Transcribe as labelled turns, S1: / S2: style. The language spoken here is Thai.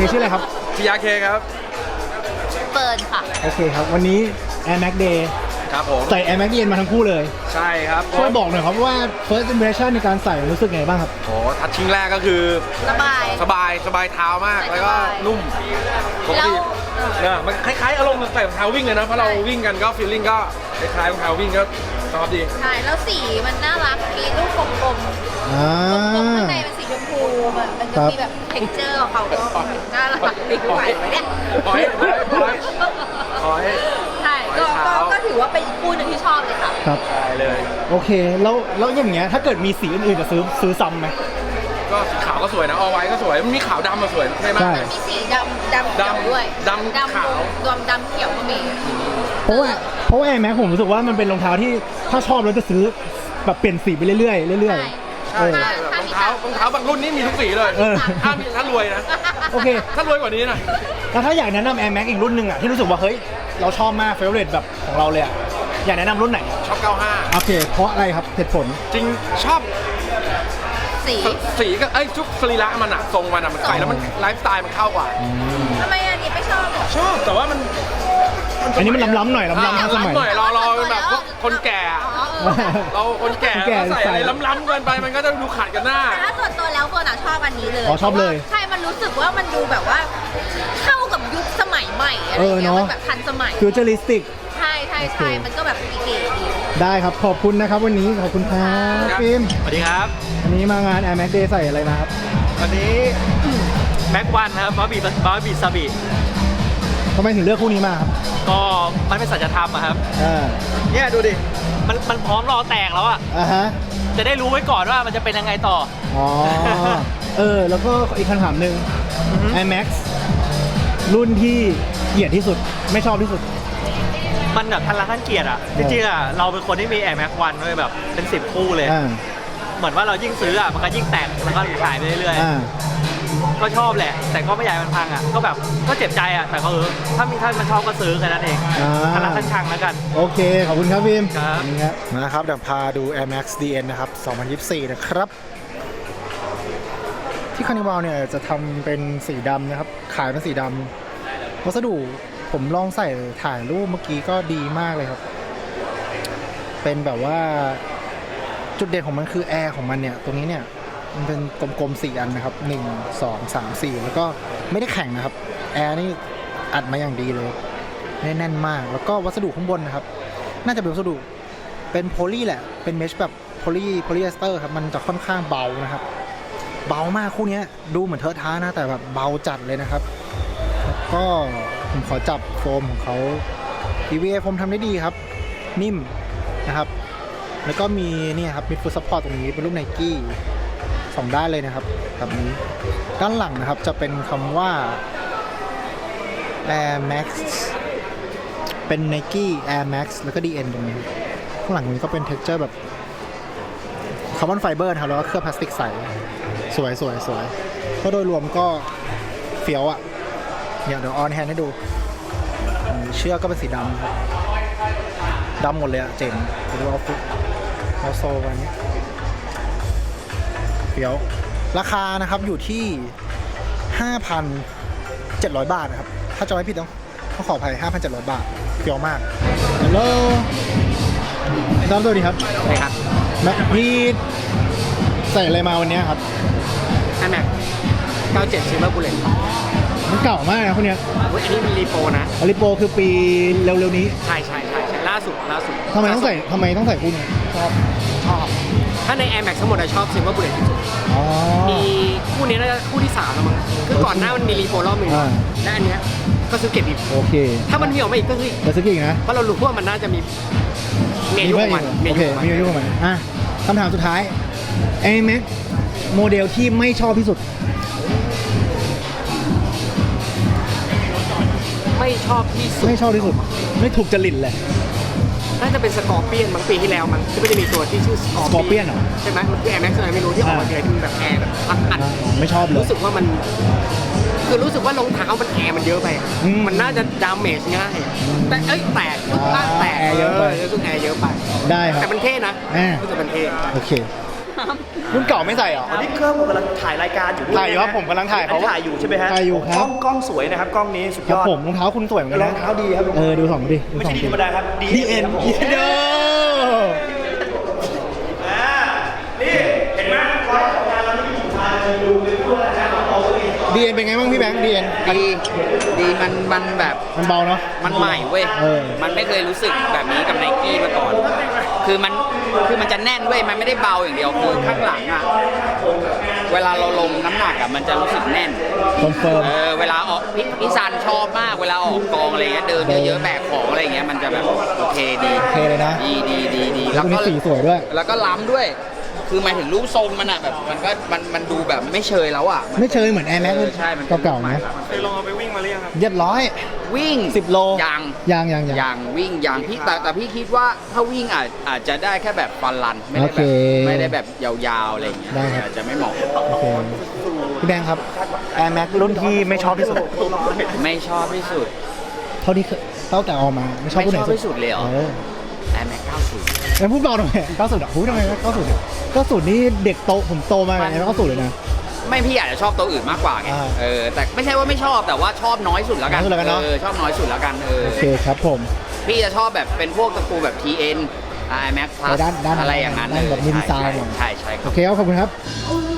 S1: ชื่ออะไรครับ
S2: พี่ยาเคครับ
S3: เปิดค่ะ
S1: โอเคครับวันนี้ Air Max Day
S2: ครับผม
S1: ใส่ Air Max DN มาทั้งคู่เลย
S2: ใช่ครับ
S1: ช่วยบอกหน่อยครับว่า first impression ในการใส่รู้สึกไงบ้างครับ
S2: โอ้ทัชชิ่งแรกก็คือ
S3: สบาย
S2: เท้ามากแล้วก็นุ่มปกติเนี่ยมันคล้ายๆอารมณ์ใส่รองเท้าวิ่งเลยนะเพราะเราวิ่งกันก็ฟีลลิ่งก็คล้ายๆรองเท้าวิ่งก็ชอบดี
S3: ใช่แล้วสีมันน่ารักมีลูกกลมๆกลมข้างในเป็นสีชมพูมันจะมีแบบเท็กเจอร์ของเขาก็น่ารักดีไหวเนี่ยใช่ก็ถือว่าเป็นอีกคู่หนึ่งที่ชอบเลยค่ะ
S1: ครับ
S2: ใช่เลย
S1: โอเคแล้วอย่างเงี้ยถ้าเกิดมีสีอื่นๆจะซื้อซ้ำไหม
S2: ก็สีขาวก็สวยนะเอาไว้ก็สวยมันมีขาวดำมาสวยใช่ไหม
S3: มีสีดำเขียวด้วย
S2: ดำขาว
S3: รวมดำเขียวก็มี
S1: เพราะว่า Air Max ผมรู้สึกว่ามันเป็นรองเท้าที่ถ้าชอบแล้วจะซื้อแบบเปลี่ยนสีไปเรื่อยๆ
S2: ใช่รองเท้าบางรุ่นนี้มีทุกสีเลยถ้ารวยนะ
S1: โอเค
S2: ถ้ารวยกว่านี้นะ
S1: แล้วถ้าอยากแนะนำ Air Max อีกรุ่นหนึ่งอ่ะที่รู้สึกว่าเฮ้ยเราชอบมากเฟเวอร์เรทแบบของเราเลยอ่ะอยากแนะนำรุ่นไหน
S2: ชอบ95
S1: โอเคเพราะอะไรครับเหตุผล
S2: จริงชอบสีก็ทุกสรีระมันอะทรงมันอะมันใส่แล้วมันไลฟ์สไตล์มันเข้ากว่า
S3: ทำไมอันนี้ไม่ชอบ
S2: ชอบแต่ว่า
S1: อันนี้มันล้ำๆหน่อยล้ำๆทันสมัย
S2: หน่อยเราแบบคนแก่เราคนแก่ใส่อะไรล้ำๆเกินไปมันก็จะดูขัดกันหน้า
S3: แต่ถ้าส่วนตัวแล้วคนชอบอันนี้เลย
S1: ชอบเลย
S3: ใช่มันรู้สึกว่ามันดูแบบว่าเข้ากับยุคสมัยใหม่อะไรอย่างเงี้ยมันแบบทันสมัย
S1: ฟิวเจอริสติก
S3: ใช่มันก็แบบเก๋ๆดี
S1: ได้ครับขอบคุณนะครับวันนี้ขอบคุณครับฟิล์ม
S4: สวัสดีครับ
S1: วันนี้มางาน Air Max Day ใส่อะไรมาครับ
S4: วันนี้แม็กวันครับบาร์บีซาบิ
S1: ทำไมถึงเลือกคู่นี้มาครับ
S4: ก็มันเป็นสัจธรรมอะครับเนี่ยดูดิมันพร้อมรอแตกแล้วอะจะได้รู้ไว้ก่อนว่ามันจะเป็นยังไงต่อ
S1: แล้วก็อีกคำถามหนึ่ง Air Max รุ่นที่เกลียดที่สุดไม่ชอบที่สุด
S4: มันแบบทันรักทันเกียรติอะจริงๆอะเราเป็นคนที่มี Air Max 1ด้วยแบบเป็น10คู่เลยเหมือนว่าเรายิ่งซื้ออะมันก็ยิ่งแตกแล้วก็ขายไปเรื่อยๆก็ชอบแหละแต่ก็ไม่อยากมันพังอะก็แบบก็เจ็บใจอะแต่ก็ถ้ามันชอบก็ซื้อแค่นั้นเองทันรักทันชังแล้วกัน
S1: โอเคขอบคุณครับพิม
S4: ครับ
S1: นะครับเดี๋ยวพาดู Air Max DN นะครับ2024นะครับที่คาร์นิวัลเนี่ยจะทำเป็นสีดำนะครับขายเป็นสีดำวัสดุผมลองใส่ถ่ายรูปเมื่อกี้ก็ดีมากเลยครับเป็นแบบว่าจุดเด่นของมันคือแอร์ของมันเนี่ยตรงนี้เนี่ยมันเป็นกลมๆ4อันนะครับ1 2 3 4แล้วก็ไม่ได้แข็งนะครับแอร์นี่อัดมาอย่างดีเลยแน่นมากแล้วก็วัสดุข้างบนนะครับน่าจะเป็นวัสดุเป็นโพลีแหละเป็นเมชแบบโพลีเอสเตอร์ครับมันจะค่อนข้างเบานะครับเบามากคู่นี้ดูเหมือนเทอะท้านะแต่แบบเบาจัดเลยนะครับก็ผมขอจับโฟมของเขา EVA โฟมทำได้ดีครับนิ่มนะครับแล้วก็มีนี่ครับมีฟูดซัพพอร์ตตรงนี้เป็นรูปไนกี้2ด้านเลยนะครับแบบนี้ด้านหลังนะครับจะเป็นคำว่า Air Max เป็น Nike Air Max แล้วก็ DN ตรงนี้ข้างหลังนี้ก็เป็น texture แบบคาร์บอนไฟเบอร์นะครับแล้วก็เคลือบพลาสติกใสสวยก็โดยรวมก็เฟี้ยวอ่ะเดี๋ยวออนแฮนด์ให้ดูเชือกก็เป็นสีดำหมดเลยอะเจ๋งไปดูเอาโซวันนี้เฟี้ยวราคานะครับอยู่ที่ 5,700 บาทนะครับถ้าจะไม่ผิดต้องขออภัย 5,700 บาทเฟี้ยวมากฮัลโหลสวัสดีครับ
S4: สวัสดีครับ
S1: พี่ใส่อะไรมาวันนี้ครับ
S4: Air Max 97 Silver Bullet
S1: มันเก่ามากนะพวกเนี้ย
S4: อันนี้มีรีโปนะ
S1: รีโปคือปีเร็วๆนี้
S4: ใช่ล่าสุด
S1: ทำไมต้องใส่คู่นี้
S4: ชอบถ้าใน Air Max ทั้งหมดชอบ Silver Bullet ที่สุดมีคู่นี้น่าจะคู่ที่3แล้วมั้งคือก่อนหน้ามันมีรีโปรอบนึงและอันเนี้ยก็ซื้อเก็บอีก
S1: โอเค
S4: ถ้ามันมีออกมาอีกก็
S1: ซื้ออีกนะ
S4: เพราะเรารู้ว่ามันน่าจะมีเมนูของมัน
S1: โอเคมีเมนูของมันคำถามสุดท้าย Air Max โมเดลที่ไม่ชอบที่สุด
S4: ไม่ชอบที่สุด
S1: ไม่ถูกจริตเลย
S4: น่าจะเป็นสกอร์เปียนบางปีที่แล้วมันที่มันจะมีตัวที่ชื่อสกอร์
S1: เปียนเหรอ
S4: ใช่ไหมมันคือ Air Max อะไรไม่รู้ที่ออกมาเลยที่มันแบบแอร์แบบอัด
S1: ไม่ชอบเลย
S4: รู้สึกว่ามันคือรู้สึกว่ารองเท้ามันแอร์มันเยอะไปมันน่าจะดามเมจง่ายแต่แตก
S1: แอร์เยอะไป
S4: รู้สึกแอร์เยอะไป
S1: ได้ครับ
S4: แต่มันเท่นะรู้สึกมันเท่
S1: โอเครุ่นเก่าไม่ใส่เหรอ
S5: อันนี้เครื่องผมกำลังถ่ายรายการอยู่ด้วย
S1: ถ่ายอยู่ครับ
S5: นะ
S1: ผมกำลังถ่ายเขา
S5: อันนี้ถ่ายอยู่ใช่ไหมฮะ
S1: ถ่ายอยู่ครับ
S5: กล้องสวยนะครับกล้องนี้สุด
S1: ค
S5: ย
S1: รับ
S5: อด
S1: ผมรองเท้าคุณสวยเหมือนกัน
S5: ร
S1: นะ
S5: องเท้าดีครับ
S1: ดูสองดิ
S5: ไม่ใช่ดีธรรมดาครับ
S1: ดีเอ็น
S5: ครับผม
S1: เด้อ
S5: นี่เห็นไหมร้อยของงานเราไม่มีทางดูเป็นพวกนะเอาเอง
S1: ดีเอ็นเป็นไงบ้างพี่แบงค์ดีเอ็น
S6: ดีมันแบบ
S1: มันเบาเนาะ
S6: มันใหม่เว้ย
S1: เออ
S6: มันไม่เคยรู้สึกแบบนี้กับไนกี้มาก่อน คือมันจะแน่นเว้ย มันไม่ได้เบาอย่างเดียว คือข้างหลังอ่ะ เวลาเราลงน้ำหนักอ่ะ มันจะรู้สึกแน่น
S1: คอนเฟิร์ม
S6: เวลาออกพี่ซันชอบมาก เวลาออกกองอะไรเงี้ย เดินเยอะๆ แบกของอะไรเงี้ย มันจะแบบโอเคดี
S1: โอเคเลยนะ
S6: ดี
S1: แล้วตัวนี้สีสวยด้วย
S6: แล้วก็ล้ำด้วย คือหมายถึงรูปทรงมันอ่ะแบบ มันดูแบบไม่เชยแล้วอ่ะ
S1: ไม่เชยเหมือน Air Max
S6: ใช่มันเป็น
S1: เก่าๆนะ
S4: เคยลองเอาไปวิ่งมาหรือยังครับ
S1: เรียบร้อย
S6: วิ่ง
S1: 10 โล
S6: ยัง
S1: ยัง
S6: อย่างวิ่งอย่างพี่แต่พี่คิดว่าถ้าวิ่งอาจจะได้แค่แบบฟันรันไม่ได้
S1: โอ
S6: แบ
S1: เค
S6: บไม่ได้แบบยาวๆอะไรอย่างเงี้ย
S1: ได้ครับ
S6: อาจจะไม่เหมาะ
S1: โอเคพี่แบงค์ครับ Air Max รุ่นที่ไม่ชอบที่สุด
S6: ไม่ชอบที่สุด
S1: เท่าที่ตั้งแต่ออกมาไม่ชอบรุ่นไหน
S6: ไม่ชอบที่สุดเลยเหรอ Air Max 90
S1: แล้วพูดเบาหน่อย90อ่ะพูดทำไม90เนี่ย90นี่เด็กโตผมโตมากับAir Max 90เลยนะ
S6: ไม่พี่อาจจะชอบตัวอื่นมากกว่าไง
S1: อ่า
S6: แต่ไม่ใช่ว่าไม่ชอบแต่ว่าชอบน้อยสุดแล้วกัน
S1: น้อยสุดแล้วกันเนอะ
S6: ชอบน้อยสุดแล้วกัน
S1: โอเคครับผม
S6: พี่จะชอบแบบเป็นพวกตระกูลแบบ TN Air Max Plus
S1: ด้าน
S6: อะไรอย่างนั้น
S1: ด้านแบบมินิไซน์
S6: ใช่ใช่ค
S1: โอ
S6: รับ
S1: เคครับขอบคุณครับ